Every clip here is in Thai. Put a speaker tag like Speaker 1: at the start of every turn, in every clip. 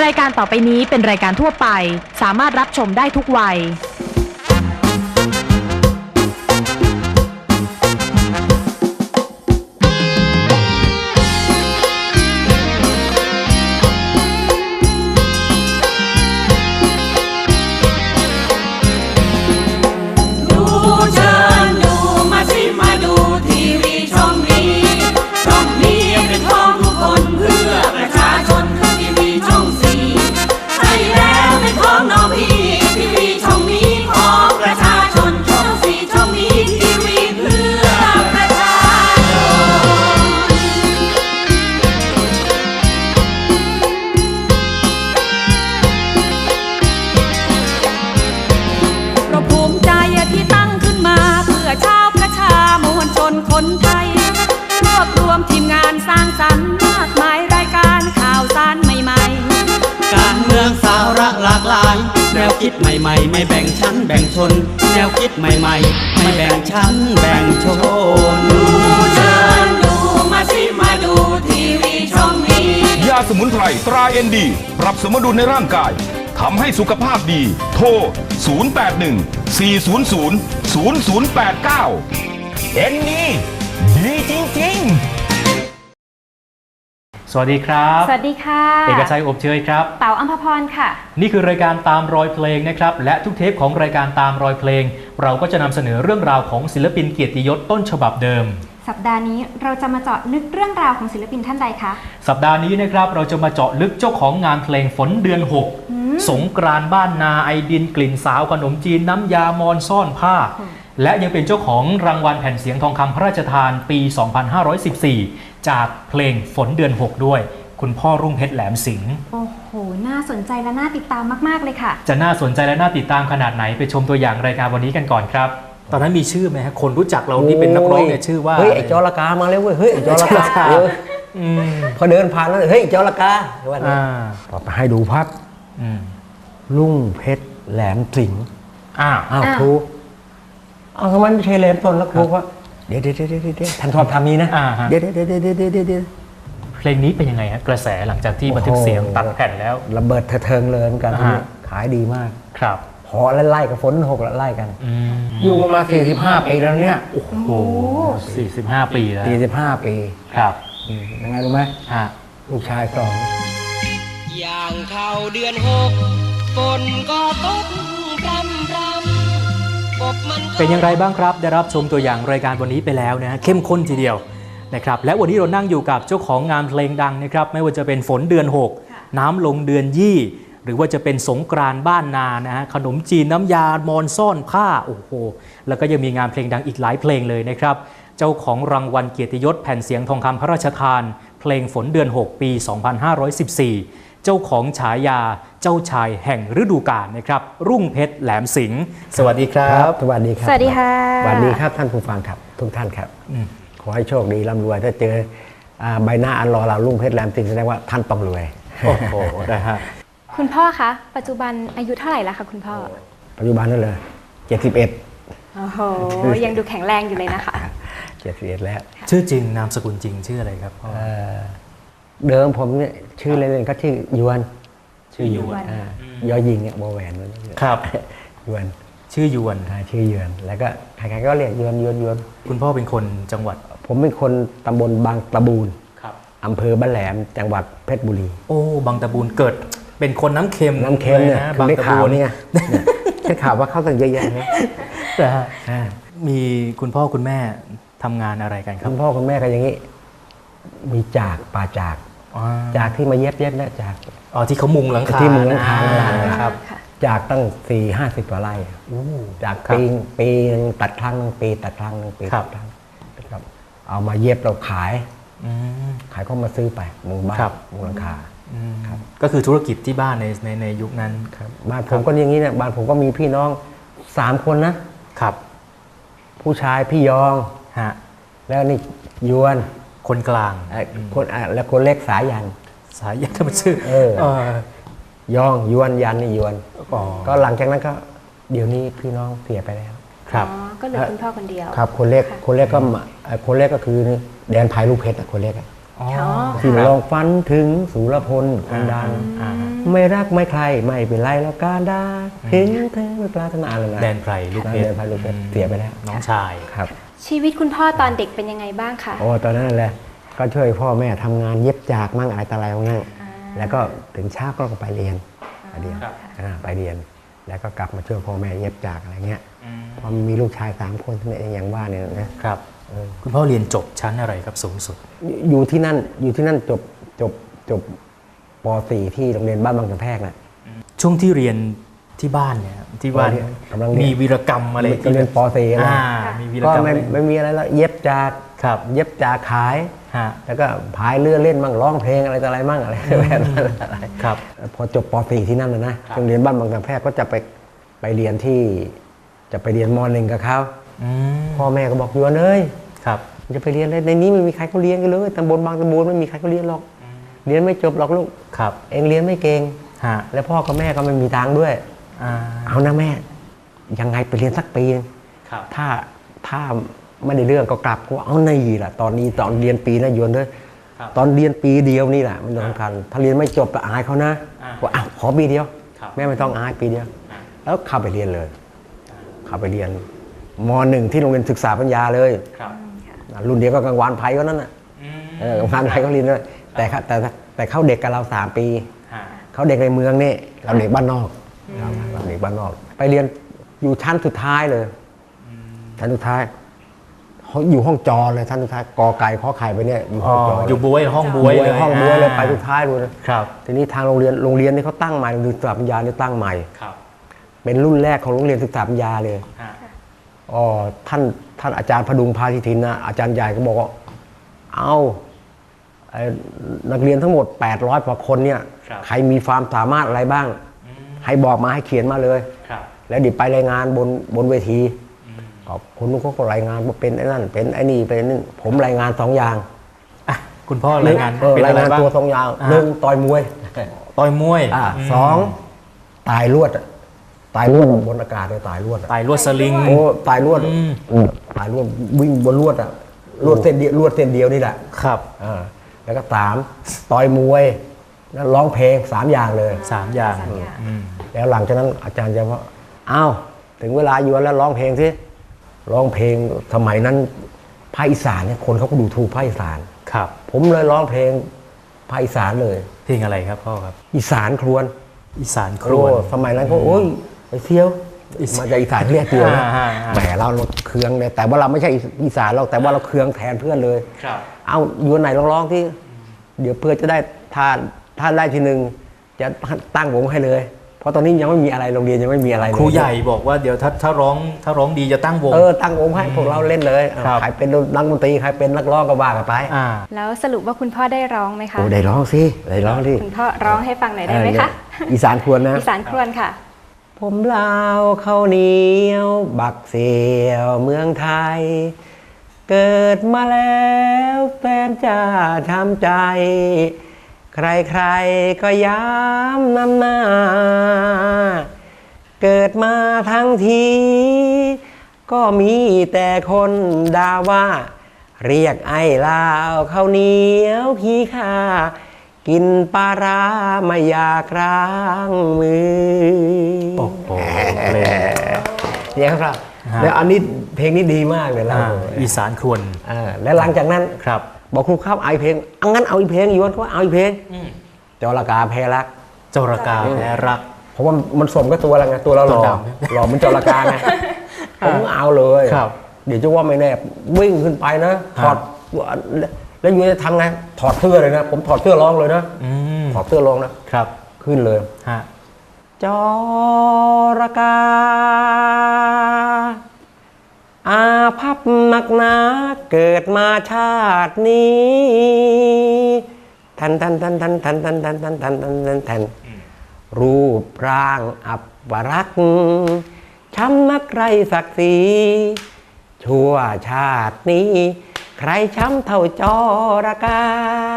Speaker 1: รายการต่อไปนี้เป็นรายการทั่วไปสามารถรับชมได้ทุกวัย
Speaker 2: คนไทยรวบรวมทีมงานสร้างสรรค์มากมายรายการข่าวสารใหม่ๆ
Speaker 3: การเมืองสาระหลากหลายแนวคิดใหม่ๆไม่แบ่งชั้นแบ่งชนแนวคิดใหม่ๆไม่แบ่งชั้นแบ่งชน
Speaker 2: ดูเชิญดูมาสิมาดูทีวีช่องนี้
Speaker 4: ยาสมุนไพรตราเอ็นดีปรับสมดุลในร่างกายทำให้สุขภาพดีโทร 081 400 0089 เอ็นดีดีจริงๆ
Speaker 5: สวัสดีครับ
Speaker 6: สวัสดีค่ะ
Speaker 5: เอกชัยอบเชยครับ
Speaker 6: เต๋าอัมพพรค่ะ
Speaker 5: นี่คือรายการตามรอยเพลงนะครับและทุกเทปของรายการตามรอยเพลงเราก็จะนำเสนอเรื่องราวของศิลปินเกียรติยศต้นฉบับเดิม
Speaker 6: สัปดาห์นี้เราจะมาเจาะลึกเรื่องราวของศิลปินท่านใดคะ
Speaker 5: สัปดาห์นี้นะครับเราจะมาเจาะลึกเจ้าของงานเพลงฝนเดือน6สงกรานต์บ้านนาไอดินกลิ่นสาวขนมจีนน้ำยามอนซ่อนผ้าและยังเป็นเจ้าของรางวัลแผ่นเสียงทองคำพระราชทานปี 2514 จากเพลงฝนเดือน6ด้วยคุณพ่อรุ่งเพชรแหลมสิงห์
Speaker 6: โอ้โหน่าสนใจและน่าติดตามมากๆเลยค่ะ
Speaker 5: จะน่าสนใจและน่าติดตามขนาดไหนไปชมตัวอย่างรายการวันนี้กันก่อนครับตอนนั้นมีชื่อไหมฮะคนรู้จักเราที่เป็นนักร้องเนี่ยชื่อว่า
Speaker 7: เฮ้ยไอ้จอระกามาแล้วเว้ยเฮ้ยไอ้จอระกาพอเดินผ่านแล้วเฮ้ยจอระกาว่าต่อไปให้ดูภาพรุ่งเพชรแหลมสิงห์อ้าวครูเอาทำไมไม่ใช่แหลมต้นแล้วครูว่าเดี๋ยวท่านชอบทำนี้นะเดี๋ยว
Speaker 5: เพลงนี้เป็นยังไงฮะกระแสหลังจากที่บันทึกเสียงตัดแผ่นแล้ว
Speaker 7: ระเบิดเถิงเลยกันขายดีมาก
Speaker 5: ครับ
Speaker 7: พอไล่กับฝน6ไล่กันอยู่มา45 ปีแล้วเนี่ย
Speaker 5: โอ้โห45 ปีแล้ว
Speaker 7: 45 ปี
Speaker 5: ครับ
Speaker 7: ยังไงรู้ไหมลูกชาย
Speaker 3: อย่างเข้าเดือน6ฝนก็ตกพรำ
Speaker 5: เป็นอย่างไรบ้างครับได้รับชมตัวอย่างรายการวันนี้ไปแล้วนะเข้มข้นทีเดียวนะครับและวันนี้เรานั่งอยู่กับเจ้าของงานเพลงดังนะครับไม่ว่าจะเป็นฝนเดือน6น้ำลงเดือนยี่หรือว่าจะเป็นสงกรานต์บ้านนานะฮะขนมจีนน้ำยามอนซ่อนผ้าโอ้โหแล้วก็ยังมีงานเพลงดังอีกหลายเพลงเลยนะครับเจ้าของรางวัลเกียรติยศแผ่นเสียงทองคำพระราชทานเพลงฝนเดือน6ปี 2514เจ้าของฉายาเจ้าชายแห่งฤดูกาลนะครับรุ่งเพชรแหลมสิงห์สวัสดีครับ
Speaker 7: สวัสดีครับ
Speaker 6: สวัสดีค่ะ
Speaker 7: สวัสดีครับท่านผู้ฟังครับทุกท่านครับขอให้โชคดีร่ำรวยถ้าเจอใบหน้าอันรอเรารุ่งเพชรแหลมสิงห์แสดงว่าท่านต้องรวย
Speaker 5: โอ้โหได้ฮะ
Speaker 6: คุณพ่อคะปัจจุบันอายุเท่าไหร่แล้วคะคุณพ่อ
Speaker 7: ปัจจุบันนั่นเลย71
Speaker 6: โอ้โหยังดูแข็งแรงอยู่เลยนะคะ
Speaker 7: 71แล้ว
Speaker 5: ชื่อจริงนามสกุลจริงชื่ออะไรครับพ่อ
Speaker 7: เดิมผมเนี่ยชื่อเล่นๆก็ชื่อยวนยอยิงเนี่ยวอแหวน
Speaker 5: ครับ
Speaker 7: ยวน
Speaker 5: ชื่อยวน
Speaker 7: ชื่อยวนแล้วก็ใครๆก็เรียกยวน
Speaker 5: คุณพ่อเป็นคนจังหวัด
Speaker 7: ผมเป็นคนตำบลบางตะบูนอำเภอบ้านแหลมจังหวัดเพชรบุรี
Speaker 5: โอ้บางตะบูนเกิดเป็นคนน้ำเค็ม
Speaker 7: เนี่ยได้ข่าวเนี่ยได้ข่าวว่าเข้าตั้งเยอะแยะ
Speaker 5: มีคุณพ่อคุณแม่ทำงานอะไรกันครับ
Speaker 7: คุณพ่อคุณแม่ก็อย่างนี้มีจากป่าจากที่มาเย็บนะจาก
Speaker 5: ที่เขามุงหลังคา
Speaker 7: ที่มุงหลังคาครับจากตั้ง40-50 กว่าไร่จากปีนึงตัดครั้งนึงปีตัดครั้งนึงปีตัดครั้งครับเอามาเย็บเราขายก็มาซื้อไปมุงบ้านมุงหลังคา
Speaker 5: ก็คือธุรกิจที่บ้านในยุคนั้น
Speaker 7: ครับบ้านผมก็อย่างนี้เนี่ยบ้านผมก็มีพี่น้อง3 คนนะครับผู้ชายพี่ยองแล้วนี่ยวน
Speaker 5: คนกลาง
Speaker 7: คนแล้วคนเล็กสายัน
Speaker 5: ก็เป็นชื่
Speaker 7: อยองยวนยันนี่ยวนก็หลังจากนั้นก็เดี๋ยวนี้พี่น้องเสียไปแล้ว
Speaker 6: ครับก็เหลือคุณพ่อคนเดียว
Speaker 7: ครับคนเล็กก็คือแดนภายลูกเพชรคนเล็ก
Speaker 5: อ๋อ
Speaker 7: ที่ลองฝันถึงสุรพลคนดัง
Speaker 5: อ่า
Speaker 7: ไม่รักไม่ใครไม่เป็นไรแล้วการได้ถึงเธอไม่ปรารถนาอะไรนะ
Speaker 5: แดนไพรลูกเพช
Speaker 7: แด
Speaker 5: ร
Speaker 7: นไพรลูกเพชรเสียไปแล้ว
Speaker 5: น้องชาย
Speaker 7: ครับ
Speaker 6: ชีวิตคุณพ่อตอนเด็กเป็นยังไงบ้างคะ
Speaker 7: โอ้ตอนนั้นแหละก็ช่วยพ่อแม่ทำงานเย็บจากมั่งอะไรต่ออะไรมั่งแล้วก็ถึงเช้าก็ไปเรียนไปเรียน
Speaker 5: ครับ
Speaker 7: ไปเรียน แล้วก็กลับมาช่วยพ่อแม่เย็บจากอะไรเงี้ยพอมีลูกชาย3 คนที่อย่างว่าเนี่ยนะครับ
Speaker 5: คุณพ่อเรียนจบชั้นอะไรครับสูงสุด
Speaker 7: อยู่ที่นั่นจบป .4 ที่โรงเรียนบ้านบางกระแพกนะ
Speaker 5: ช่วงที่เรียนที่บ้านเนี่ยที่บ้าน
Speaker 7: กำลังเรียน
Speaker 5: มีวีรกรรมอะไร
Speaker 7: ก็เรียนป .4 นะ
Speaker 5: มีวีร
Speaker 7: ก็
Speaker 5: กรรม
Speaker 7: ไม่มีอะไรแล้วเย็บจาก
Speaker 5: ครับ
Speaker 7: เย็บจากขาย
Speaker 5: ฮะ
Speaker 7: แล้วก็พายเรือเล่นมั่งร้องเพลงอะไรต่ออะไรมั่งอะไรแบบนั้น
Speaker 5: ครับ
Speaker 7: พอจบป .4 ที่นั่นนะโรงเรียนบ้านบางกระแพกก็จะไปเรียนที่จะไปเรียนม .1 กับเขา
Speaker 5: อืม
Speaker 7: พ่อแม่ก็บอกอยู่เอ้ย
Speaker 5: ครับ
Speaker 7: จะไปเรียนอะไรในนี้ไม่มีใครเขาเรียนกันเลยตำบลบางตำบลไม่มีใครเขาเรียนหรอกเรียนไม่จบหรอกลูก
Speaker 5: ครับ
Speaker 7: เองเรียนไม่เก่ง
Speaker 5: ฮะ
Speaker 7: แล้วพ่อกับแม่ก็ไม่มีตังค์ด้วย
Speaker 5: อ่า
Speaker 7: เอานะแม่ยังไงไปเรียนสักปีนึง
Speaker 5: ครับ
Speaker 7: ถ้าไม่ได้เรื่องก็กลับก็เอาในล่ะตอนเรียนปีนะโยนด้วย
Speaker 5: ครับ
Speaker 7: ตอนเรียนปีเดียวนี่แหละมันสำคัญถ้าเรียนไม่จบก็อายเขานะ
Speaker 5: อ่า
Speaker 7: ว่าอ้าวขอปีเดียว
Speaker 5: ครับ
Speaker 7: แม่ไม่ต้องอายปีเดียว แล้วเข้าไปเรียนเลย เข้าไปเรียนม .1 ที่โรงเรียนศึกษาปัญญาเลย
Speaker 5: ครับ
Speaker 7: รุ่นเดียวก็กลางวานไผ่ก็นั่นน่ะ
Speaker 5: อืม
Speaker 7: กลางวานไผ่ก็เรียนด้วยแต่เขาเด็กกับเรา3 ปี
Speaker 5: ฮะ
Speaker 7: เขาเด็กในเมืองนี่เราเด็กบ้านนอกเราเด็กบ้านนอก ไปเรียนอยู่ชั้นสุดท้ายเลยชั้นสุดท้ายเขาอยู่ห้องจอเลยชั้นสุดท้ายกอไก่ขอไข่ไปเนี่ยอยู่ห้องจอ
Speaker 5: อยู่บวยห้องบวยเลย
Speaker 7: ห้องบวยเลยไปสุดท้ายเลย
Speaker 5: ครับ
Speaker 7: ทีนี้ทางโรงเรียนนี่เขาตั้งใหม่โรงเรียนศึกษาปัญญาเนี่ยตั้งใหม่
Speaker 5: ครับ
Speaker 7: เป็นรุ่นแรกของโรงเรียนศึกษาปัญญาเลย
Speaker 5: ฮะ
Speaker 7: อ๋อท่านอาจารย์พดุงพาธิทินนะอาจารย์ใหญ่ก็บอกว่าเอาไอ้นักเรียนทั้งหมด800 กว่าคนเนี่ย
Speaker 5: ครับ
Speaker 7: ใครมีความสามารถอะไรบ้าง ให้บอกมาให้เขียนมาเลย
Speaker 5: ครับ
Speaker 7: แล้วเดี๋ยวไปรายงานบนเวทีก็คนนู้นเขาก็รายงานว่าเป็นไอ้นั่นเป็นไอ้นี่เป็นนี่ผมรายงาน2 อย่าง
Speaker 5: อ่ะคุณพ่อรายงาน
Speaker 7: เออ
Speaker 5: เป็น
Speaker 7: รา
Speaker 5: อะ
Speaker 7: ย
Speaker 5: ไรง
Speaker 7: าน
Speaker 5: บ้าง
Speaker 7: ตัว2 อย่าง
Speaker 5: อ่า
Speaker 7: 1ต่อยมวย
Speaker 5: ต่อยมวย
Speaker 7: สองตายลวดอะตายลวดบนอากาศเลยตายลวดอะ
Speaker 5: ไต่ลวดสลิง
Speaker 7: โอ้ตายลวด
Speaker 5: อืม
Speaker 7: ตายลวดวิ่งบนลวดอะลวดเส้นเดียวนี่แหละ
Speaker 5: ครับ
Speaker 7: แล้วก็3ต่อยมวยแล้วร้องเพลง3 อย่างเลย
Speaker 5: 3 อย่างอืม
Speaker 7: แล้วหลังจากนั้นอาจารย์จะว่าอ้าวถึงเวลาอยู่แล้วร้องเพลงสิร้องเพลงสมัยนั้นภาคอีสานเนี่ยคนเขาก็ดูถูกภาคอีสาน
Speaker 5: ครับ
Speaker 7: ผมเลยร้องเพลงภาคอีสานเลย
Speaker 5: เพลงอะไรครับพ่อครับ
Speaker 7: อีสานครวน
Speaker 5: อีสานครวน
Speaker 7: โอ้สมัยนั้นก็โอ้ยไปเที่ยว
Speaker 5: อีสาน
Speaker 7: มาจากอีสานเรียกเที่ยวนะ
Speaker 5: อ่า
Speaker 7: แหมเราเคืองเนี่ยแต่ว่าเราไม่ใช่อีสานเราแต่ว่าเราเคืองแทนเพื่อนเลย
Speaker 5: ครับ
Speaker 7: เอาอยู่ไหนร้องที่ เดี๋ยวเพื่อจะได้ถ้าได้ทีหนึ่งจะตั้งวงให้เลย เพราะตอนนี้ยังไม่มีอะไรโรงเรียนยังไม่มีอะไรเลย
Speaker 5: ครูใหญ่บอกว่าเดี๋ยวถ้าร้องดีจะตั้งวง
Speaker 7: ตั้งวงให้พวกเราเล่นเลย
Speaker 5: ครับ
Speaker 7: ใครเป็นนักดนตรีใครเป็นนักร้องก็ว่ากันไป
Speaker 6: แล้วสรุปว่าคุณพ่อได้ร้องไหมคะ
Speaker 7: โอ้ได้ร้องสิได้ร้องสิ
Speaker 6: คุณพ่อร้องให้ฟังหน่อยได้ไหมคะ
Speaker 7: อีสานควรนะ
Speaker 6: อีสานครวนค่ะ
Speaker 7: ผมลาวข้าวเหนียวบักเสียวเมืองไทย เกิดมาแล้วแฟนจ้าทำใจ ใครๆก็ย้ำนำหน้า เกิดมาทั้งที ก็มีแต่คนด่าว่า เรียกไอ้ลาวข้าวเหนียวขี้ข้ากินปลาร้าไม่อยากร้างมือ
Speaker 5: โอ้โหเพลง
Speaker 7: เนี่ยครับ
Speaker 5: ฮะ
Speaker 7: แล้วอันนี้เพลงนี้ดีมากเลยเรา
Speaker 5: อีสานครวน
Speaker 7: แล้วหลังจากนั้น
Speaker 5: ครับ
Speaker 7: บอกครูครับเอาอีกเพลงเอางั้นเอาอีกเพลงอยู่ว่าเอาอีกเพลงจรกาแพรัก
Speaker 5: จรกาแพ้รัก
Speaker 7: เพราะว่ามันสมกับตัวเราไงตัวเราหล่อ
Speaker 5: ต่อ
Speaker 7: หล่อมันจรกาไงผมก็เอาเลย
Speaker 5: ครับ
Speaker 7: เดี๋ยวจะว่าไม่แน่วิ่งขึ้นไปนะถอดแล้วอยู่จะทำไงถอดเสื้อเลยนะผมถอดเสื้อร้องเลยนะ
Speaker 5: อืม
Speaker 7: ถอดเสื้อร้องนะครับ ขึ้นเลย
Speaker 5: ฮะ
Speaker 7: จรกาอาภัพหนักหนาเกิดมาชาตินี้ทันรูปร่างอัปรักษ์ช้ำนักไรศักดิ์ศรีชั่วชาตินี้ ใครช้ำเท่าจรกา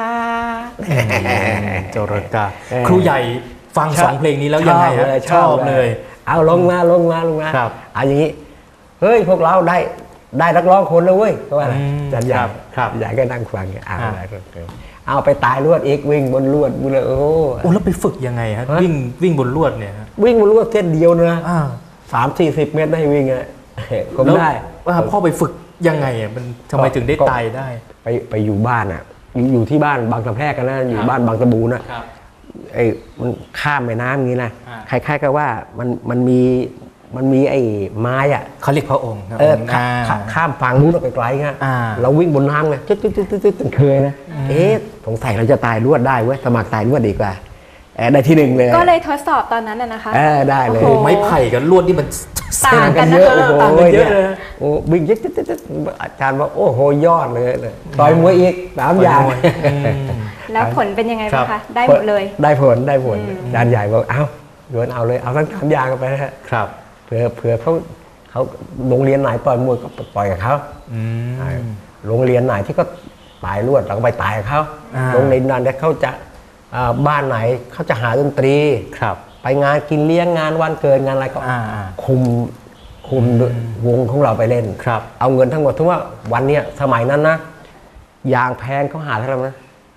Speaker 5: จรกา ครูใหญ่ฟัง 2 เพลงนี้แล้วยังไงฮะชอบเลย
Speaker 7: เอาลงมา
Speaker 5: ครับ
Speaker 7: เอาอย่างนี้เฮ้ยพวกเราได้นักร้องคนแล้วเว้ยก็ว่าอะไร
Speaker 5: อืม
Speaker 7: จันใหญ่
Speaker 5: ครับ
Speaker 7: ใหญ่ก็นั่งฟังเอาไปตายลวดอีกวิ่งบนลวดกูเลยโอ้
Speaker 5: โอ้แล้วไปฝึกยังไงฮะวิ่งบนลวดเนี่ยฮะ
Speaker 7: วิ่งบนลวดเส้นเดียวนะ30-40 เมตรได้วิ่งอ่ะผม
Speaker 5: แล้ว
Speaker 7: ได้
Speaker 5: พ่อไปฝึกยังไงอ่ะมันทำไมถึงได้ตายได้
Speaker 7: ไปอยู่บ้านอ่ะอยู่ที่บ้านบางสะแพรกกันนะอยู่บ้านบางตะบูนะมันข้ามแม่น้ำอย่างนี้นะคล้ายๆกับว่ามันมีไอ้ไม้อ่ะ
Speaker 5: เขาเรียกพระองค์
Speaker 7: ข้ามฝั่งนู้นออกไปไกลเงี้ยเราวิ่งบนน้ำไงจึ๊ดเคยนะสงสัยเราจะตายรวดได้เว้ยสมัครตายรวดดีกว่าได้ที่ 1เลย
Speaker 6: ก็เลยทดสอบตอนนั้นนะคะ
Speaker 7: ได้เลย
Speaker 5: โอ้ไม้ไผ่กับลวดนี่มัน
Speaker 6: ต่างกัน
Speaker 7: เยอะ
Speaker 6: นะคะ
Speaker 7: โอ้โหเนี่ยโอ้วิ่งยึดอาจารย์ว่าโอ้โหยอดเลยต่อยมวยอีก3 อย่าง
Speaker 6: แล้วผลเป็นยังไงบ้างคะได้หมดเลย
Speaker 7: ได้ผลอาจารย์ใหญ่บอกเอาโยนเอาเลยเอาทั้ง3 อย่างกันไปนะครับเผื่อเขาโรงเรียนไหนต่อยมวยก็ต่อยกับเขาโรงเรียนไหนที่ก็ตายรวดเราก็ไปตายกับเขาโรงเรียนนั้นเขาจะบ้านไหนเขาจะหาดนตรีไปงานกินเลี้ยงงานวันเกิดงานอะไรก็คุมวงของเราไปเล่นเอาเงินทั้งหมดทั้งว่าวันเนี้ยสมัยนั้นนะยางแพงเขาหาเท่าไหร่นะ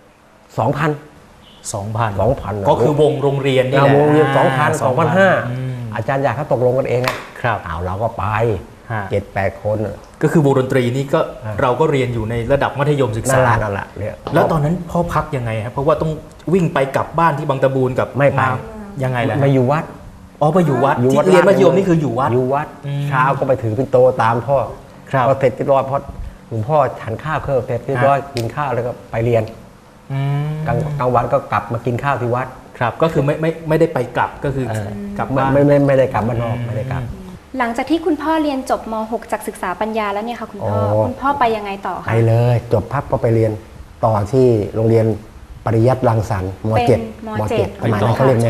Speaker 7: 2,000
Speaker 5: ก็คือวงโรงเรียนนี่แหละ
Speaker 7: วงเรียน2,500อาจารย์อยากเขาตกลงกันเองเอาเราก็ไป 7-8 คน
Speaker 5: ก็คือวงดนตรีนี่ก็เราก็เรียนอยู่ในระดับมัธยมศึกษา
Speaker 7: นั่นแหละ
Speaker 5: แล้วตอนนั้นพ่อพักยังไงครับเพราะว่าต้องวิ่งไปกลับบ้านที่บางตะบูนกับ
Speaker 7: ไม่ไป
Speaker 5: ยังไงล่ะ
Speaker 7: มาอยู่วัด
Speaker 5: ไปอยู่วัดที่เรียนมัธยมนี่คืออยู่วัด
Speaker 7: เช้าก็ไปถือปิ่นโตตามพ่อพอเสร็จเรียบร้อยพอหลวงพ่อฉันข้าวเสร็จเรียบร้อยกินข้าวแล้วก็ไปเรียนกลางวันก็กลับมากินข้าวที่วัด
Speaker 5: ก็คือไม่ได้ไปกลับก็คือกลับบ้าน
Speaker 7: ไม่ได้กลับบ้านนอกไม่ได้กลับ
Speaker 6: หลังจากที่คุณพ่อเรียนจบม.6 จากศึกษาปัญญาแล้วเนี่ยค่ะคุณพ่อไปยังไงต่อคะ
Speaker 7: ไปเลยจบพับก็ไปเรียนต่อที่โรงเรียนปริยัติรังสรรค์ม.7 สมัยนั้นเขาเรียนม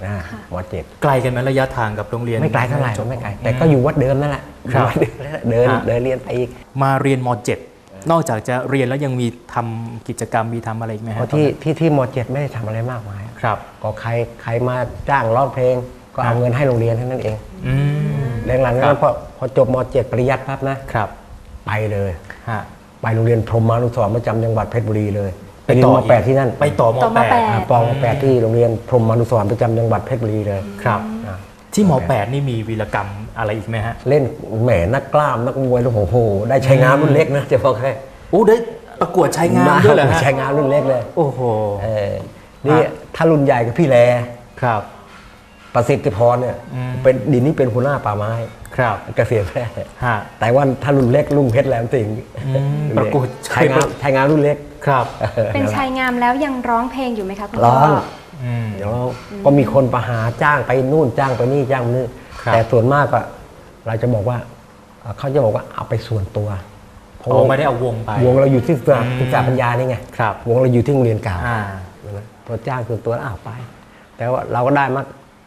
Speaker 7: .7
Speaker 5: ไกลกันไหมระยะทางกับโรงเรียน
Speaker 7: ไม่ไกลเท่าไหร่ไม่ไกลแต่ก็อยู่วัดเดิมนั่นแหละเดินเรียนไปอีก
Speaker 5: มาเรียนม.7 นอกจากจะเรียนแล้วยังมีทำกิจกรรมมีทำอะไรไหมครับ
Speaker 7: ที่ม.7 ไม่ได้ทำอะไรมากมายก็ใครมาจ้างร้องเพลงก็เอาเงินให้โรงเรียนเท่านั้นเองหลังๆนั้นพอจบม.7 ปริยัติปั๊บนะไปเลยไปโรงเรียนพรหมานุสรณ์ประจำจังหวัดเพชรบุรีเลยไปเรียนม.8 ที่นั่น
Speaker 5: ไปต่อม
Speaker 7: .8 ที่โรงเรียนพรหมานุสรณ์ประจำจังหวัดเพชรบุรีเลย
Speaker 5: ที่ม.8 นี่มีวีรกรรมอะไรอีกไหมฮะ
Speaker 7: เล่นแหมนักกล้ามนักมวยโอ้โหได้ชัยงามรุ่นเล็กนะจะบอกให้
Speaker 5: ได้ประกวดชัยงามด้วยเหรอฮะ
Speaker 7: ชัยงามรุ่นเล็กเลย
Speaker 5: โอ้โห
Speaker 7: นี่ถ้ารุ่นใหญ่กับพี่แลประสิทธิพรเนี่ยเป็นดินนี่เป็นหัวหน้าป่าไม้เกษียณแพร่แต่ว่าถ้ารุ่นเล็กลุงเพชรแหลมสิงห์
Speaker 5: ประกวด
Speaker 7: ชัยงามรุ่นเล็ก
Speaker 6: เป็นชัยงามแล้วยังร้องเพลงอยู่ไหมคะคุณพ่อ
Speaker 7: ร้องเดี๋ยวก็มีคนประหาจ้างไปนู่นจ้างไปนี่จ้างนี่แต่ส่วนมากก็เราจะบอกว่าเขาจะบอกว่าเอาไปส่วนตัว
Speaker 5: เพราะไม่ได้เอาวงไป
Speaker 7: วงเราอยู่ที่ศึกษาปัญญานี่ไงวงเราอยู่ที่โรงเรียนเก่าพอจ้างส่วนตัวเอาไปแต่ว่าเราก็ได้มา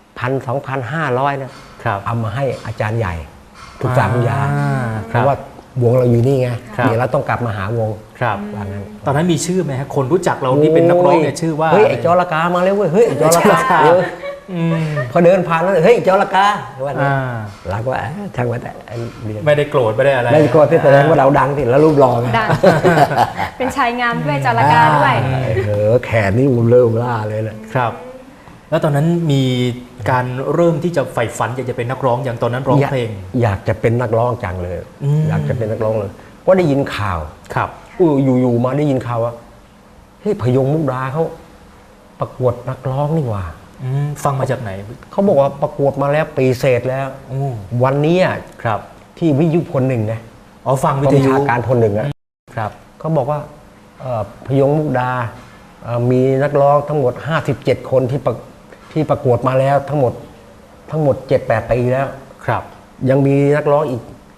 Speaker 7: 1,000-2,500นะเอามาให้อาจารย์ใหญ่ศึกษาปัญญาเพราะว่าวงเราอยู่นี่ไงเดี๋ยวเราต้องกลับมาหาวง
Speaker 5: ตอนนั้นมีชื่อไหมฮะคนรู้จักเราที่เป็นนักร้องเนี่ยชื่อว่า
Speaker 7: เฮ้ยไอ้จอระกามาแล้วเว้ยเฮ้ยไอ้จอระกาพอเดินผ่านแล้วเฮ้ยจอระกาว่าเราก็ช่างว่าแต่
Speaker 5: ไม่ได้โกรธไม่ได้อะไร
Speaker 7: ไม่ได้โกรธที่แสดงว่าเราดังสิแล้วรูปหล่อ
Speaker 6: ดังเป็นชายงามด้วยจอระกาด้วย
Speaker 7: แขนนี่มุมเริ่มล่าเลยนะครับ
Speaker 5: แล้วตอนนั้นมีการเริ่มที่จะใฝ่ฝันอยากจะเป็นนักร้องอย่างตอนนั้นร้องเพลง
Speaker 7: อยากจะเป็นนักร้องจังเลยอยากจะเป็นนักร้องเลยก็ได้ยินข่าวอยู่มาได้ยินข่าวว่าเฮ้ยพยงมุกดาเขาประกวดนักร้องนี่หว่า
Speaker 5: ฟังมาจากไหน
Speaker 7: เขาบอกว่าประกวดมาแล้วปีเศษแล้ววันนี้ที่วิทยุพลหนึ่งนะ
Speaker 5: ฟังวิทยุ
Speaker 7: การพลหนึ่งนะครับเขาบอกว่าพยงมุกดามีนักร้องทั้งหมด57คนที่ประกวดมาแล้วทั้งหมด 7-8 ปีแล้วยังมีนักร้องอีก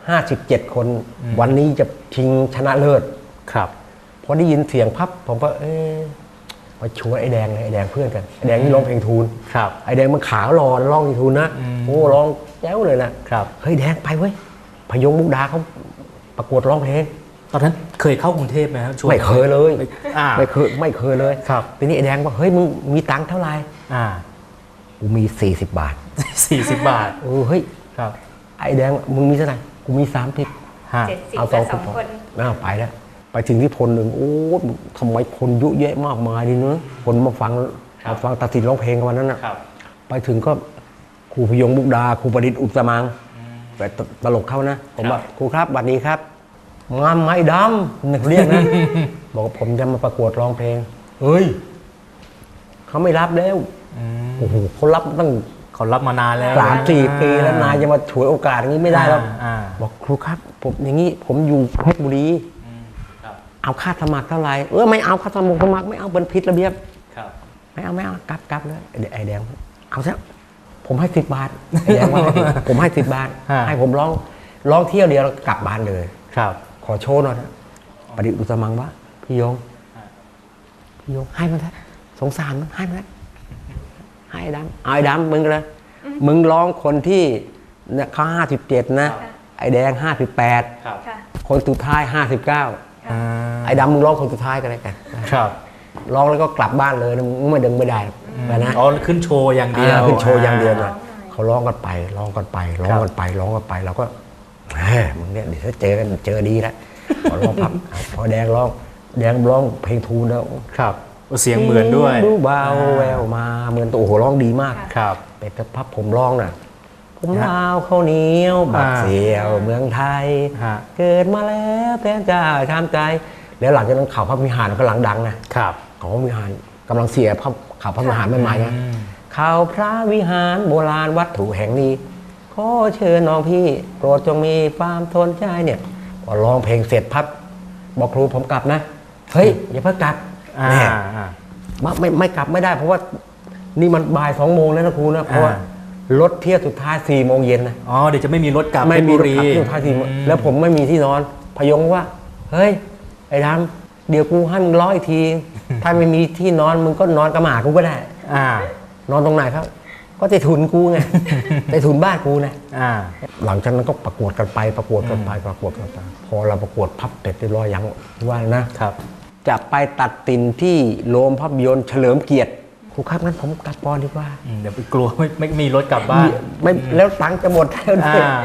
Speaker 7: 57คนวันนี้จะชิงชนะเลิศพอได้ยินเสียงพับผมก็มาชวนไอ้แดงเลยไอ้แดงเพื่อนกันไอ้แดงนี่ร้องเพลงทูลไอ้แดงมันขาวรอร้องเพลงทูลนะโอ้ร้องแจ๋วเลยนะเฮ้ยแดงไปเว้ยพยงมุกดาเขาประกวดร้องเพลง
Speaker 5: ตอนนั้นเคยเข้ากรุงเทพไหมครับ
Speaker 7: ไม่เคยเลยไม่เคยเลยทีนี้ไอ้แดงบอกเฮ้ยมึงมีตังค์เท่าไหร่กูมี40 บาท
Speaker 5: 40 บาท
Speaker 7: เฮ้ยไอ้แดงมึงมีเท่าไหร่กูมี30เอา2 คนไปแล้วไปไปถึงที่พลหนึ่งโอ้ทำไมคนเยอะแยะมากมายดีเนอะคนมาฟังตัดสินร้องเพลงกันวันนั้นน่ะไปถึงก็ครูพยงมุกดาครูประดิษฐ์อุตมังแต่ตลกเขานะผมว่าครูครับบัดนี้ครับงามไม้ดำนึกเรียกนะ บอกว่าผมจะมาประกวดร้องเพลงเฮ้ยเขาไม่รับแล้วโอ้โหเขารับตั้ง
Speaker 5: เขารับมานานแล้ว
Speaker 7: 3-4 ปีแล้วนายจะมาฉวยโอกาสอย่างนี้ไม่ได้แล้วบอกครูครับผมอย่างนี้ผมอยู่เพชรบุรีเอาค่าสมัครเท่าไหร่ไม่เอาค่าสมัครไม่เอาเป็นผิดระเบียบไม่เอากลับเลยไอ้แดงเอาซะผมให้10 บาทไอ้แดงว่าผมให้10 บาทให้ผมร้องเที่ยวเดียวแล้วกลับบ้านเลย
Speaker 5: ครับ
Speaker 7: ขอโชว์หน่อยนะประดิษฐ์อุตมังว่าพี่ยงให้มันซะสงสารมันให้มันให้ดำเอาไอ้ดำมึงเลยมึงร้องคนที่เนี่ยเขา57นะไอ้แดง58คนสุดท้าย59ไอ้ดำมึงร้องคนสุดท้ายกันเลยกัน
Speaker 5: ครับ
Speaker 7: ร้องแล้วก็กลับบ้านเลยมึงไม่ดึงไม่ได้นะ
Speaker 5: อ๋อขึ้นโชว์อย่างเดียว
Speaker 7: ขึ้นโชว์อย่างเดียวนะเขาร้องกันไปร้องกันไปเราก็มึงเนี่ยเดี๋ยวถ้าเจอดีแล้วพอร้องพับพอแดงร้องเพลงทูนแล้ว
Speaker 5: ครับเสียงเหมือนด้วย
Speaker 7: ดูเบาแววมาเหมือนตัวโอ้โหร้องดีมาก
Speaker 5: ครับ
Speaker 7: แต่พับผมร้องน่ะผมลาวข้าวเหนียวบักเสียวเมืองไทยเกิดมาแล้วแต่จะทำใจแล้วหลังจากนั้นข่าวพระวิหารก็หลังดังนะครับข่าวพระวิหารกำลังเสียข่าวพระวิหารใหม่ๆนะข่าวพระวิหารโบราณวัตถุแห่งนี้ขอเชิญน้องพี่โปรดจงมีความทนใจเนี่ยพอร้องเพลงเสร็จพับบอกครูผมกลับนะเฮ้ยอย่าเพิ่งกลับเนี่ยไม่กลับไม่ได้เพราะว่านี่มันบ่าย2 โมงแล้วนะครูนะเพราะว่ารถเที่ยวสุดท้าย4 โมงเย็นนะ
Speaker 5: เดี๋ยวจะไม่มีรถกลับ
Speaker 7: ไม่มีรถกลับที่สุดท้ายแล้วผมไม่มีที่นอนพยงว่าเฮ้ยไอ้ดำเดี๋ยวกูให้มึงร้อยที ถ้าไม่มีที่นอนมึงก็นอนกระหม่ากูก็ได้นอนตรงไหนครับก็ใต้ถุนกูไงใต้ถุนบ้านกูนะหลังจากนั้นก็ประกวดกันไปพอเราประกวดพับเสร็จเรียบร้อยยังว่านะครับจะไปตัดสินที่โรงภาพยนตร์เฉลิมเกียรติครูครับงั้นผมกลับปอนดีกว่า
Speaker 5: เดี๋ยวไปกลัวไม่มีรถกลับบ้าน
Speaker 7: ไม่แล้วตังค์จะหมดแล้ว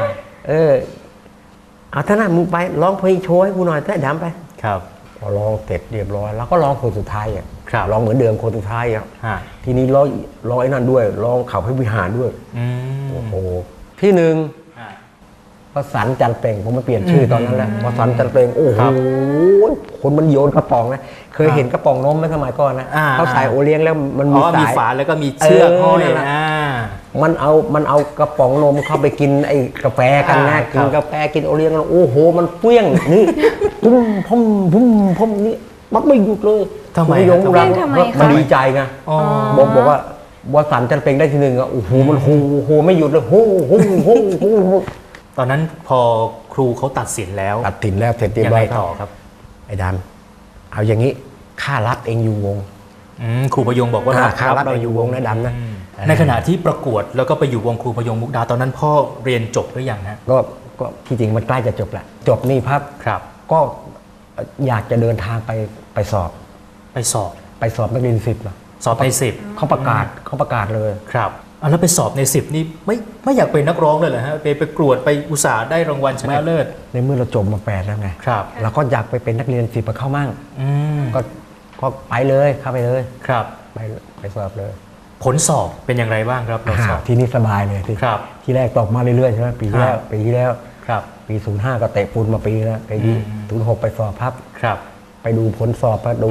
Speaker 7: เอาท่านั้นมึงไปร้องเพลงโชว์ให้กูหน่อยได้ดำไป
Speaker 5: ครับ
Speaker 7: พอร้องเสร็จเรียบร้อยแล้วก็ร้องคนสุดท้ายร้องเหมือนเดิมคนสุดท้ายทีนี้ร้องไอ้นั่นด้วยร้องข่าวพระวิหารด้วยโอ้โหที่ 1วสันต์จันทร์เปล่งผมมาเปลี่ยนชื่อตอนนั้นแหละวสันต์จันทร์เปล่งโอ้โหคนมันโยนกระป๋องนะเคยเห็นกระป๋องนมไหมสมัยก่อนนะเขาใส่โอเลี้ยงแล้วมันมีสาย
Speaker 5: ฝาแล้วก็มีเชือกห้อย
Speaker 7: มันเอากระป๋องนมเข้าไปกินไอ้กาแฟกันนะกินกาแฟกินโอเลี้ยงแล้วโอ้โหมันเปี้ยงนี่พุ่มนี่มันไม่หยุดเลย
Speaker 5: ทำไม
Speaker 7: มันดีใจไงบอกว่าวสันต์จันทร์เปล่งได้ที่ 1อ่ะโอ้โหมันโหไม่หยุดเลยโห
Speaker 5: ตอนนั้นพอครูเขาตัดสินแล้ว
Speaker 7: เสร็จเรียบร้อยต่อครับไอ้ดำเอาอย่างนี้ข้ารับเองอยู่วง
Speaker 5: ครูพยงบอกว่า
Speaker 7: ข้ารับเองอยู่วงนะดำนะ
Speaker 5: ในขณะที่ประกวดแล้วก็ไปอยู่วงครูพยงมุกดาตอนนั้นพ่อเรียนจบหรือยังฮะ
Speaker 7: ก็ที่จริงมันใกล้จะจบแหละจบนี่ครับก็อยากจะเดินทางไปสอบนักเรียน10
Speaker 5: สอบใน10
Speaker 7: เขาประกาศเลย
Speaker 5: ครับแล้วไปสอบใน10นี่ไม่อยากเป็นนักร้องเลยเหรอฮะไปประกวดไปอุตส่าห์ได้รางวัลชนะเลิศ
Speaker 7: ในเมื่อเราจบมา8แล้วไง
Speaker 5: ครับ
Speaker 7: เราก็อยากไปเป็นนักเรียน10มาเข้ามั่งก็ไปเลยเข้าไปเลย
Speaker 5: ครับ
Speaker 7: ไปสอบเลย
Speaker 5: ผลสอบเป็นอย่างไรบ้างครับ
Speaker 7: สอบที่นี่สบายเลยทีแรกตกมาเรื่อยๆใช่ไหมปีที่แล้ว
Speaker 5: ครับ
Speaker 7: ปี05ก็เตะปูนมาปีแล้วปีนี้06ไปสอบ
Speaker 5: ครับ
Speaker 7: ไปดูผลสอบดู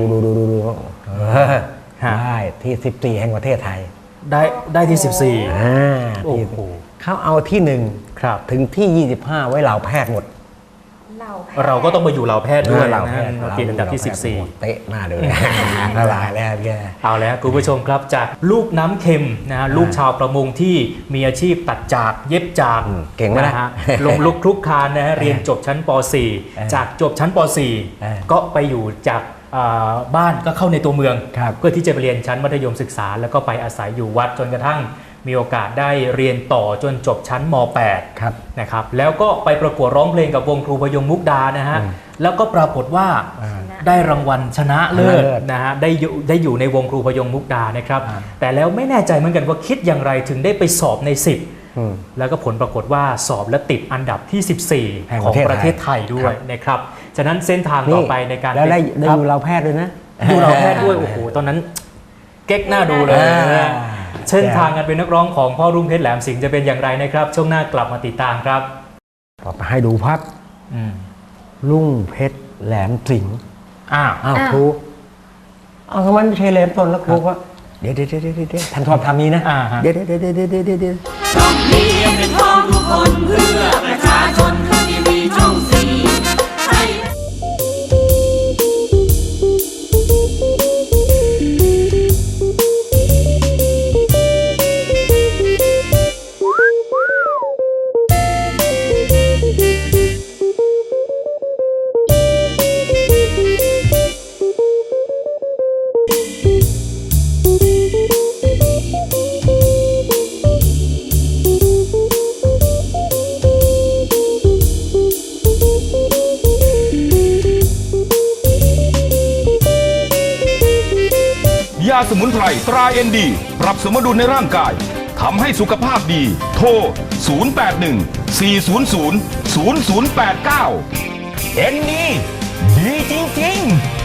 Speaker 7: ได้ที่14แห่งประเทศไทย
Speaker 5: ได้ที่14
Speaker 7: โอ้โหเขาเอาที่1ถึงที่25ไว้เหล่าแพทย์หมด
Speaker 5: เราก็ต้องมาอยู่เหล่าแพทย์ด้วยนะกินอันดับที่
Speaker 7: 14เตะหน้าเลยละลายแล้วแก
Speaker 5: เอาแล้วคุณผู้ชมครับจากลูกน้ำเค็มนะลูกชาวประมงที่มีอาชีพตัดจากเย็บจาก
Speaker 7: เก่งนะ
Speaker 5: ฮะลงลุกคลุกคลานนะฮะเรียนจบชั้นป .4 จากจบชั้นป .4 ก็ไปอยู่จากบ้านก็เข้าในตัวเมืองเพื่อที่จะไปเรียนชั้นมัธยมศึกษาแล้วก็ไปอาศัยอยู่วัดจนกระทั่งมีโอกาสได้เรียนต่อจนจบชั้นม .8 นะครับแล้วก็ไปประกวดร้องเพลงกับวงครูพยงมุกดานะฮะแล้วก็ปรากฏว่าได้รางวัลชนะเลิศนะฮะได้อยู่ในวงครูพยงมุกดานะครับแต่แล้วไม่แน่ใจเหมือนกันว่าคิดอย่างไรถึงได้ไปสอบใน10แล้วก็ผลปรากฏว่าสอบและติดอันดับที่14ของประเทศไทยด้วยนะครับฉะนั้นเส้นทางต่อไปในการ
Speaker 7: แล้วได้
Speaker 5: ครับ
Speaker 7: ดูเราแพทย์ด้วยนะ
Speaker 5: ดูเราแพทย์ด้วยโอ้โหตอนนั้นเก๊กหน้าดูเลยนะเส้นทางการเป็นนักร้องของพ่อรุ่งเพชรแหลมสิงห์จะเป็นอย่างไรนะครับช่วงหน้ากลับมาติดตามครับ
Speaker 7: ต่อไปให้ดูภาพ
Speaker 5: อืม
Speaker 7: รุ่งเพชรแหลมสิงห์
Speaker 5: อ้าว
Speaker 7: อ้าวครูเอาทำไมไม่ใช่แหลมต้นแล้วครูก็เดี๋ยวท่านชอบทำนี้นะ
Speaker 5: อ่าฮะ
Speaker 7: เดี๋ยว
Speaker 2: ต้องเรียนเป็นพ้องทุกคนเพื่อประชาชนทีวีช่องสี่ให้
Speaker 4: ยาสมุนไพรตราเอ็นดีปรับสมดุลในร่างกายทำให้สุขภาพดี โทร 081 400 0089 เอ็นดีดีจริงๆ